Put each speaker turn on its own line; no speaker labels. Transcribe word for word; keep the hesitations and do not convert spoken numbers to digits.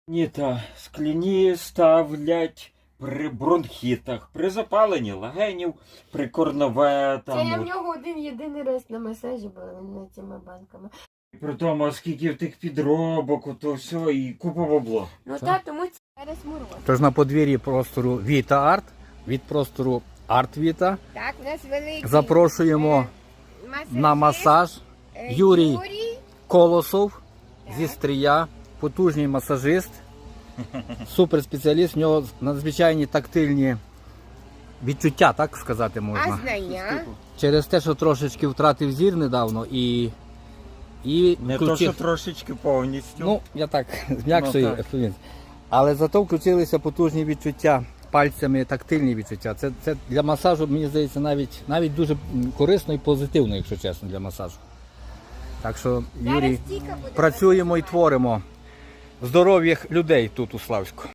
Ні, та скляні ставлять при бронхітах, при запаленні легенів, при корнове
Це я в
там.
нього один єдиний раз на масажі була не цими банками.
При тому, скільки в тих підробок, то все, і купа бабло.
Ну
Що?
так, тому це зараз мороз.
Тож на подвір'ї простору Віта Арт, від простору Арт Віта.
Так, у нас великий
Запрошуємо
е, масажист,
на масаж
е,
Юрій
Юрій.
Колосов
Так.
зі Стрия, потужний масажист, суперспеціаліст, в нього надзвичайні тактильні відчуття, так сказати
А
можна.
знання?
Через те, що трошечки втратив зір недавно і, і
Не то,
включив-
що трошечки повністю.
Ну, я так зм'якшую.
Ну, так.
ефемізм. Але зато включилися потужні відчуття, пальцями тактильні відчуття. Це, це для масажу, мені здається, навіть, навіть дуже м, корисно і позитивно, якщо чесно, для масажу. Так що, Юрій,
Зараз тільки буде
працюємо і
працювати.
творимо здоров'ях людей тут у Славську.